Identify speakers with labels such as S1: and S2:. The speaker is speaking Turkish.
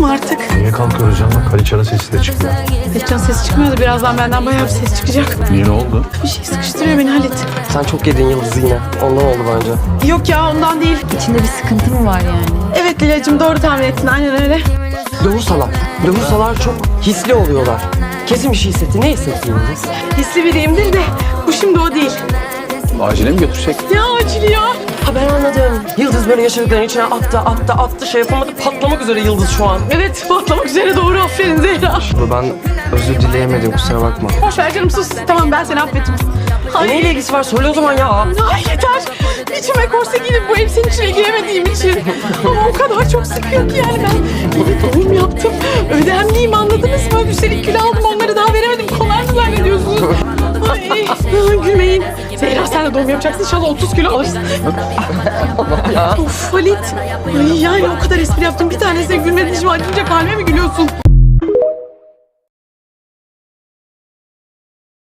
S1: mu artık?
S2: Niye kalkıyoruz canım? Kaliçanın sesi de çıkmıyor.
S1: Hiçcan ses çıkmıyordu. Birazdan benden bayağı bir ses çıkacak.
S2: Niye, ne oldu?
S1: Bir şey sıkıştırıyor beni Halit.
S3: Sen çok yedin Yıldız yine. Ondan oldu bence.
S1: Yok ya ondan değil.
S4: İçinde bir sıkıntı mı var yani?
S1: Evet Lilacığım doğru tahmin ettin. Aynen öyle.
S3: Dövürsalar çok hisli oluyorlar. Kesin bir şey hissetti. Ne hissetti Yıldız?
S1: Hisli biriyimdir de bu şimdi o değil.
S2: Acile mi götürsek?
S1: Ya acil ya.
S3: Ha ben anladım. Yıldız böyle yaşadıkların içine attı şey yapamadı. Patlamak üzere Yıldız şu an.
S1: Evet patlamak üzere doğru aferin Zehra.
S3: Ben özür dileyemedim kusura bakma.
S1: Boş ver canım sus. Tamam ben seni affettim.
S3: Neyle ilgisi var? Söyle o zaman ya.
S1: Ay yeter. İçime korse giyip bu elbisenin içine giremediğim için. Ama o kadar çok sıkıyor ki yani ben bir doğum yaptım. Ödemliyim anladınız mı? Üstelik kilo aldım onları daha veremedim. Kolay mı zannediyorsunuz? Ay gülmeyin. Zehra sen de doğum yapacaksın inşallah 30 kilo alırsın. Of Halit. Ay yani o kadar espri yaptım. Bir tanesine gülmedin şimdi acınca kalbe mi gülüyorsun?